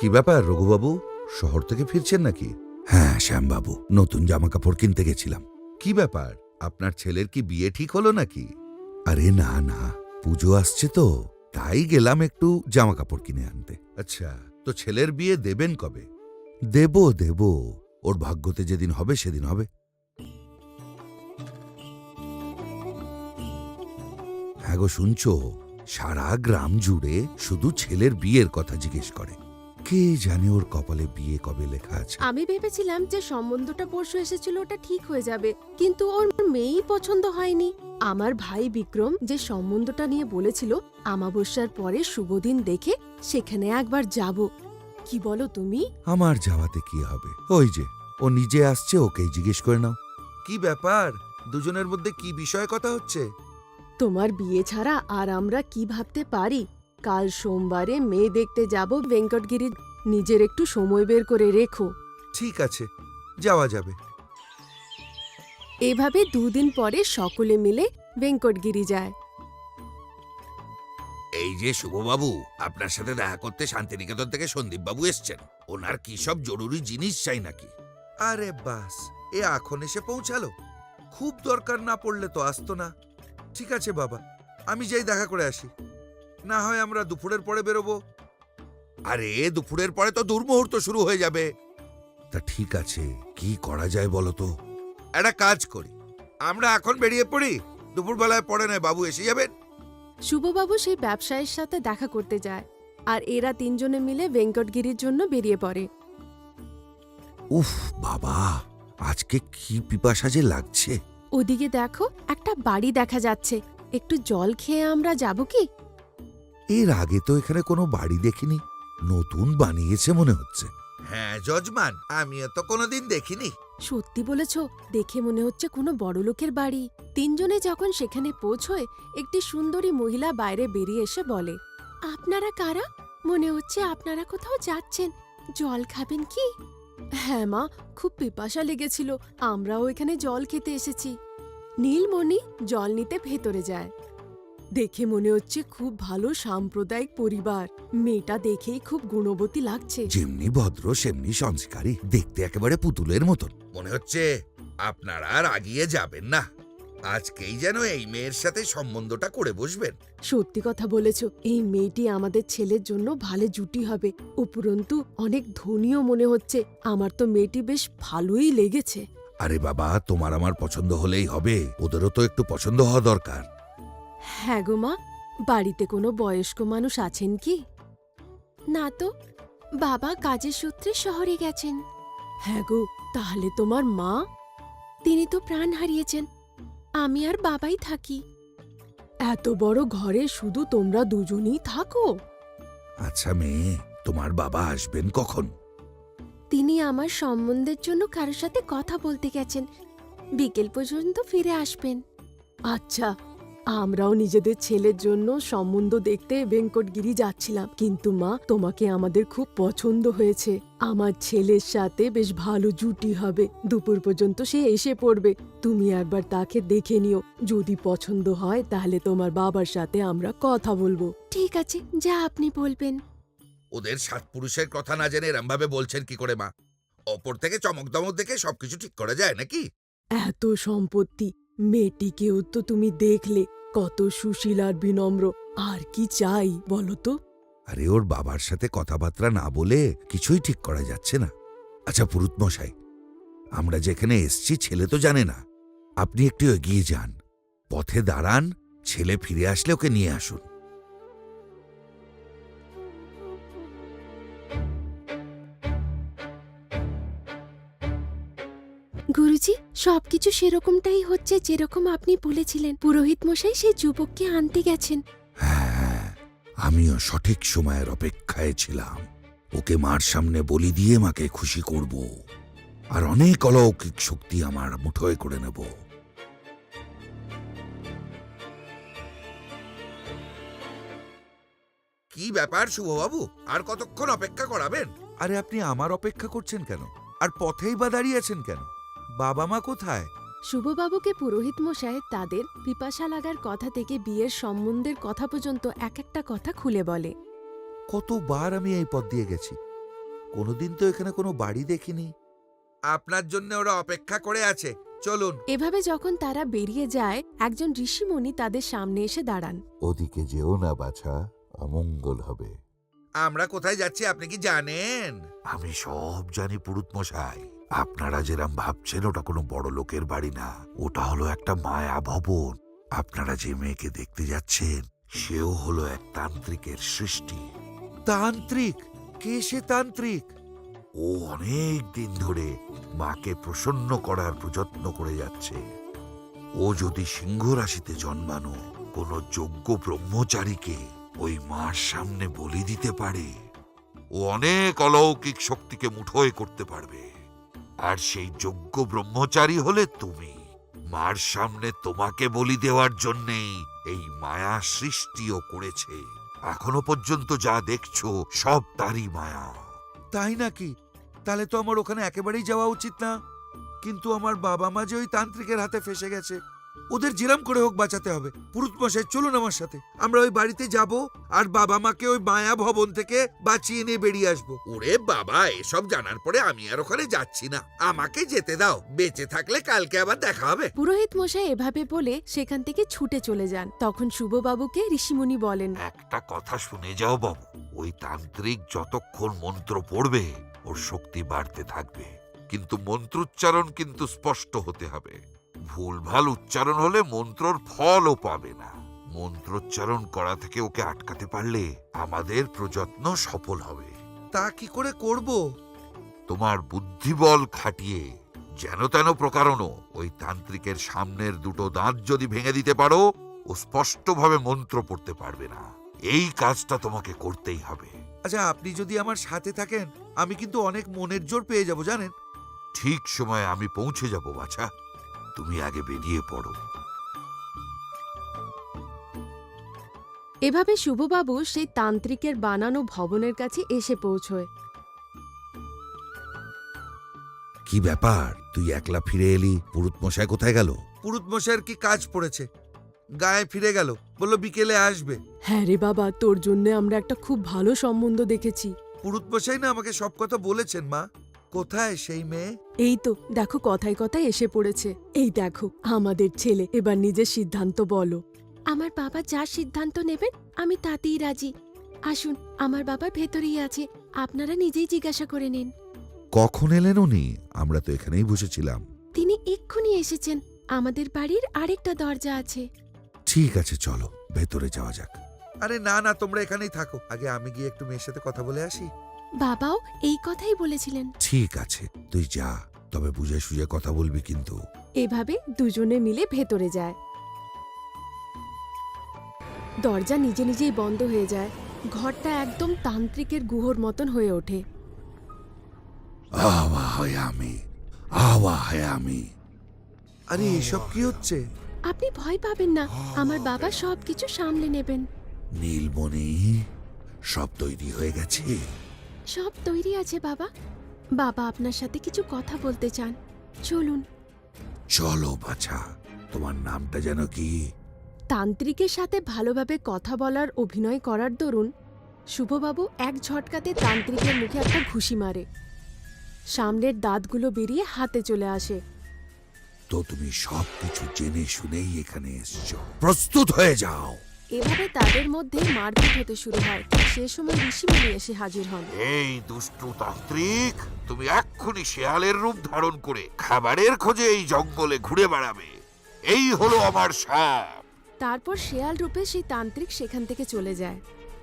কি ব্যাপার রঘুবাবু, শহর থেকে ফিরছেন নাকি? হ্যাঁ শ্যামবাবু, নতুন জামা কাপড় কিনতে গেছিলাম। কি ব্যাপার, আপনার ছেলের কি বিয়ে ঠিক হলো নাকি? আরে না না, পুজো আসছে তো, তাই গেলাম একটু জামা কাপড় কিনে আনতে। আচ্ছা, তো ছেলের বিয়ে দেবেন কবে? দেব, ওর ভাগ্যতে যেদিন হবে সেদিন হবে। হ্যাঁ গো, শুনছো, সারা গ্রাম জুড়ে শুধু ছেলের বিয়ের কথা জিজ্ঞেস করে। কে জানে ওর কপালে বিয়ে কবে লেখা আছে। আমি ভেবেছিলাম যে সম্বন্ধটা পরশু এসেছিল ওটা ঠিক হয়ে যাবে, কিন্তু ওর মেয়েই পছন্দ হয়নি। আমার ভাই বিক্রম যে সম্বন্ধটা নিয়ে বলেছিল আমাবস্যার পরে শুভদিন দেখে সেখানে একবার যাব। কি বলো তুমি? আমার যাওয়াতে কি হবে, ওই যে ও নিজে আসছে, ওকেই জিজ্ঞেস করে নাও। কি ব্যাপার, দুজনের মধ্যে কি বিষয়ে কথা হচ্ছে? তোমার বিয়ে ছাড়া আর আমরা কি ভাবতে পারি? কাল সোমবারে মেয়ে দেখতে যাব ভেঙ্কটগিরি, নিজের একটু সময় বের করে রেখো। ঠিক আছে, যাওয়া যাবে। এভাবে দুদিন পরে সকলে মিলে ভেঙ্কটগিরি যায়। এই যে শুভবাবু, আপনার সাথে দেখা করতে শান্তিনিকেতন থেকে সন্দীপবাবু এসছেন। ওনার কি সব জরুরি জিনিস চাই নাকি? আরে বাস, এ এখন এসে পৌঁছালো। খুব দরকার না পড়লে তো আসতো না। ঠিক আছে বাবা, আমি যাই দেখা করে আসি। না হয় আমরা দুপুরের পরে বেরোবো। আরে দুপুরের পরে তো দুর্মুহূর্ত শুরু হয়ে যাবে। তা ঠিক আছে, কি করা যায় বলো তো? একটা কাজ করি, আমরা এখন বেরিয়ে পড়ি, দুপুরবেলায় পরে নয় বাবু এসে যাবেন। শুভবাবু সেই ব্যবসায়ীর সাথে দেখা করতে যায়, আর এরা তিনজনে মিলে ভেঙ্কটগিরির জন্য বেরিয়ে পড়ে। উফ বাবা, আজকে কি পিপাসা যে লাগছে। ওদিকে দেখো, একটা বাড়ি দেখা যাচ্ছে। একটু জল খেয়ে আমরা যাব কি? এর আগে তো এখানে কোনো বাড়ি দেখিনি, নতুন বানিয়েছে মনে হচ্ছে। হ্যাঁ যজমান, আমিও তো কোনোদিন দেখিনি। সত্যি বলেছ, দেখে মনে হচ্ছে কোনো বড়লোকের বাড়ি। তিনজনে যখন সেখানে পৌঁছয়, একটি সুন্দরী মহিলা বাইরে বেরিয়ে এসে বলে, আপনারা কারা? মনে হচ্ছে আপনারা কোথাও যাচ্ছেন, জল খাবেন কি? হ্যাঁ মা, খুব পিপাসা লেগেছিল, আমরাও এখানে জল খেতে এসেছি। নীলমণি জল নিতে ভেতরে যায়। দেখে মনে হচ্ছে খুব ভালো সাম্প্রদায়িক পরিবার। মেয়েটা দেখেই খুব গুণবতী লাগছে। যেমনি ভদ্র সেমনি সংস্কারী, দেখতে একেবারে পুতুলের মতন মনে হচ্ছে। আপনারা আর আগিয়ে যাবেন না, আজকেই যেন এই মেয়ের সাথে সম্বন্ধটা করে বসবেন। সত্যি কথা বলেছ, এই মেয়েটি আমাদের ছেলের জন্য ভালো জুটি হবে। উপরন্তু অনেক ধনীও মনে হচ্ছে। আমার তো মেয়েটি বেশ ভালোই লেগেছে। আরে বাবা, তোমার আমার পছন্দ হলেই হবে, ওদেরও তো একটু পছন্দ হওয়া দরকার। হ্যাঁ গো মা, বাড়িতে কোনো বয়স্ক মানুষ আছেন কি? না তো, বাবা কাজের সূত্রে শহরে গেছেন। হ্যাঁ গো, তাহলে তোমার মা? তিনি তো প্রাণ হারিয়েছেন, আমি আর বাবাই থাকি। এত বড় ঘরে শুধু তোমরা দুজনই থাকো? আচ্ছা মেয়ে, তোমার বাবা আসবেন কখন? তিনি আমার সম্বন্ধের জন্য কারোর সাথে কথা বলতে গেছেন, বিকেল পর্যন্ত ফিরে আসবেন। আচ্ছা, আমরাও নিজেদের ছেলের জন্য সম্বন্ধ দেখতে ভেঙ্কটগিরি যাচ্ছিলাম, কিন্তু মা, তোমাকে আমাদের খুব পছন্দ হয়েছে। আমার ছেলের সাথে বেশ ভালো জুটি হবে। দুপুর পর্যন্ত সে এসে পড়বে, তুমি একবার তাকে দেখে নিও। যদি পছন্দ হয় তাহলে তোমার বাবার সাথে আমরা কথা বলবো। ঠিক আছে, যা আপনি বলবেন। ওদের সাত পুরুষের কথা না জেনে এরম ভাবে বলছেন কি করে মা? অপর থেকে চমক দমক দেখে সবকিছু ঠিক করা যায় নাকি? এত সম্পত্তি, মেয়েটিকেও তো তুমি দেখলে, কত সুশীল আর বিনম্র। আর কি চাই বলো তো? আরে ওর বাবার সাথে কথাবার্তা না বলে কিছুই ঠিক করা যাচ্ছে না। আচ্ছা পুরুত মশাই, আমরা যেখানে এসছি ছেলে তো জানে না, আপনি একটু এগিয়ে যান, পথে দাঁড়ান, ছেলে ফিরে আসলে ওকে নিয়ে আসুন। গুরুজি, সবকিছু সেরকমটাই হচ্ছে যেরকম আপনি বলেছিলেন। পুরোহিত মশাই সেই যুবককে আনতে গেছেন। হ্যাঁ, আমিও সঠিক সময়ের অপেক্ষায় ছিলাম। ওকে মার সামনে বলি দিয়ে মাকে খুশি করব, আর অনেক অলৌকিক শক্তি আমার মুঠোয় করে নেব। কি ব্যাপার শুভবাবু, আর কতক্ষণ অপেক্ষা করাবেন? আরে আপনি আমার অপেক্ষা করছেন কেন, আর পথেই বা দাঁড়িয়ে আছেন কেন? বাবা মা কোথায়? শুভবাবুকে পুরোহিত মশাই তাদের পিপাসা লাগার কথা থেকে বিয়ের সম্বন্ধের কথা পর্যন্ত এক একটা কথা খুলে বলে। কতবার আমি এই পথ দিয়ে গেছি, কোনোদিন তো এখানে কোনো বাড়ি দেখিনি। আপনার জন্য ওরা অপেক্ষা করে আছে, চলুন। এভাবে যখন তারা বেরিয়ে যায়, একজন ঋষিমুনি তাদের সামনে এসে দাঁড়ান। ওদিকে যেও না বাছা, অমঙ্গল হবে। আমরা কোথায় যাচ্ছি আপনি কি জানেন? আমি সব জানি পুরুত মশাই। আপনারা যেরাম ভাবছেন ওটা কোনো বড় লোকের বাড়ি না, ওটা হলো একটা মায়া ভবন। আপনারা যে মেয়েকে দেখতে যাচ্ছেন সেও হলো এক তান্ত্রিকের সৃষ্টি। তান্ত্রিক? কে সে তান্ত্রিক? ও অনেক দিন ধরে মাকে প্রসন্ন করার প্রযত্ন করে যাচ্ছে। ও যদি সিংহ রাশিতে জন্মানো কোনো যোগ্য ব্রহ্মচারীকে ওই মার সামনে বলি দিতে পারে, ও অনেক অলৌকিক শক্তিকে মুঠোয় করতে পারবে। আর সেই যোগ্য ব্রহ্মচারী হলে তুমি। মার সামনে তোমাকে বলি দেওয়ার জন্যেই এই মায়া সৃষ্টিও করেছে। এখনো পর্যন্ত যা দেখছো সব তারই মায়া। তাই নাকি? তাহলে তো আমার ওখানে একেবারেই যাওয়া উচিত না। কিন্তু আমার বাবা মা যে ওই তান্ত্রিকের হাতে ফেসে গেছে, ওদের জিরাম করে হোক বাঁচাতে হবে। পুরুত মশাই চলুন আমার সাথে, আমরা ওই বাড়িতে যাব আর বাবা মাকে ওই মায়া ভবন থেকে বাঁচিয়ে নিয়ে বেরিয়ে আসবো। ওরে বাবা, এসব জানার পরে আমি আর ওখানে যাচ্ছি না, আমাকে যেতে দাও। বেঁচে থাকলে কালকে আবার দেখা হবে। পুরোহিত মশাই এভাবে বলে সেখান থেকে ছুটে চলে যান। তখন শুভবাবুকে ঋষিমুনি বলেন, একটা কথা শুনে যাও বাবু, ওই তান্ত্রিক যতক্ষণ মন্ত্র পড়বে ওর শক্তি বাড়তে থাকবে, কিন্তু মন্ত্রোচ্চারণ কিন্তু স্পষ্ট হতে হবে। ভুলভাল উচ্চারণ হলে মন্ত্রর ফলও পাবে না। মন্ত্রোচ্চারণ করা থেকে ওকে আটকাতে পারলে আমাদের প্রযত্ন সফল হবে। তা কি করে করব? তোমার বুদ্ধিবল খাটিয়ে যেন তেন প্রকারণও ওই তান্ত্রিকের সামনের দুটো দাঁত যদি ভেঙে দিতে পারো, ও স্পষ্টভাবে মন্ত্র পড়তে পারবে না। এই কাজটা তোমাকে করতেই হবে। আচ্ছা, আপনি যদি আমার সাথে থাকেন আমি কিন্তু অনেক মনের জোর পেয়ে যাব জানেন। ঠিক সময়ে আমি পৌঁছে যাব বাছা, তুমি আগে বেরিয়ে পড়ো। এভাবে শুভবাবু সেই তান্ত্রিকের বানানো ভবনের কাছে এসে পৌঁছয়। কি ব্যাপার, তুই একলা ফিরে এলি? পুরুত মশাই কোথায় গেল? পুরুত মশাইয়ের কি কাজ পড়েছে, গায়ে ফিরে গেল, বলল বিকেলে আসবে। হ্যাঁ রে বাবা, তোর জন্য আমরা একটা খুব ভালো সম্বন্ধ দেখেছি। পুরুত মশাই না আমাকে সব কথা বলেছেন। মা, কোথায় সেই মেয়ে? এই তো দেখো, কথায় কথায় এসে পড়েছে। এই দেখো আমাদের ছেলে, এবার নিজের সিদ্ধান্ত বলো। আমার বাবা যা সিদ্ধান্ত নেবেন আমি তাতেই রাজি। আসুন, আমার বাবা ভেতরেই আছে, আপনারা নিজেই জিজ্ঞাসা করে নিন। কখন এলেন উনি? আমরা তো এখানেই বসেছিলাম। তিনি এক্ষুনি এসেছেন, আমাদের বাড়ির আরেকটা দরজা আছে। ঠিক আছে, চলো ভেতরে যাওয়া যাক। আরে না না, তোমরা এখানেই থাকো, আগে আমি গিয়ে একটু মেয়ের সাথে কথা বলে আসি। বাবাও এই কথাই বলেছিলেন। ঠিক আছে, তুই যা, তবে বুঝে সুঝে কথা বলবি কিন্তু। এভাবে দুজনে মিলে ভেতরে যায়। দরজা নিজে নিজেই বন্ধ হয়ে যায়। ঘরটা একদম তান্ত্রিকের গুহর মতন হয়ে ওঠে। আরে এসব কি হচ্ছে? আপনি ভয় পাবেন না, আমার বাবা সবকিছু সামলে নেবেন। নীলমণি, সব তৈরি হয়ে গেছে? সব তৈরি আছে বাবা। বাবা আপনার সাথে কিছু কথা বলতে চান, চলুন। চলো বাছা, তোমার নামটা যেন কি? তান্ত্রিকের সাথে ভালোভাবে কথা বলার অভিনয় করার দরুন শুভবাবু এক ঝটকাতে তান্ত্রিকের মুখে একটা ঘুষি মারে। সামনের দাঁতগুলো বেরিয়ে হাতে চলে আসে। তো তুমি সবকিছু জেনে শুনেই এখানে এসছো, প্রস্তুত হয়ে যাও। এভাবে তাদের মধ্যে মারপিট হতে শুরু হয়। সে সময় ঋষিমুনি এসে হাজির হন। এই দুষ্টু তান্ত্রিক, তুমি এক্ষুনি শেয়ালের রূপ ধারণ করে খাবারের খোঁজে এই জঙ্গলে ঘুরে বেড়াবে। এই হলো আমার শাপ। তারপর শেয়াল রূপে সেই তান্ত্রিক সেখান থেকে চলে যায়।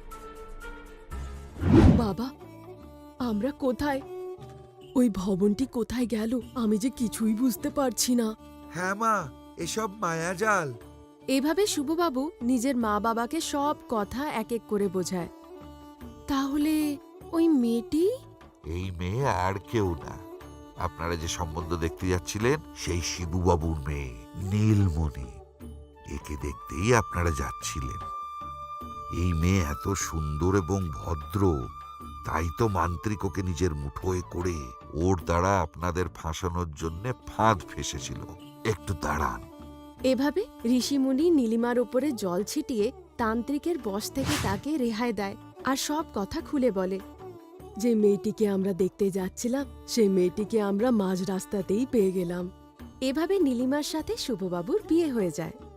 বাবা, আমরা কোথায়? ওই ভবনটি কোথায় গেল? আমি যে কিছুই বুঝতে পারছি না। হ্যাঁ মা, এসব মায়াজাল। এভাবে শুভবাবু নিজের মা বাবাকে সব কথা এক এক করে বোঝায়। তাহলে ওই মেয়েটি? এই মেয়ে আর কেউ না, আপনারা যে সম্বন্ধ দেখতে যাচ্ছিলেন সেই শিবুবাবুর মেয়ে নীলমণি। একে দেখতেই আপনারা যাচ্ছিলেন। এই মেয়ে এত সুন্দর এবং ভদ্র, তাই তো মান্ত্রিক ওকে নিজের মুঠোয় করে ওর দ্বারা আপনাদের ফাঁসানোর জন্য ফাঁদ ফেসেছিল। একটু দাঁড়ান। এভাবে ঋষিমুনি নীলিমার ওপরে জল ছিটিয়ে তান্ত্রিকের বশ থেকে তাকে রেহাই দেয় আর সব কথা খুলে বলে। যে মেয়েটিকে আমরা দেখতে যাচ্ছিলাম সেই মেয়েটিকে আমরা মাঝ রাস্তাতেই পেয়ে গেলাম। এভাবে নীলিমার সাথে শুভবাবুর বিয়ে হয়ে যায়।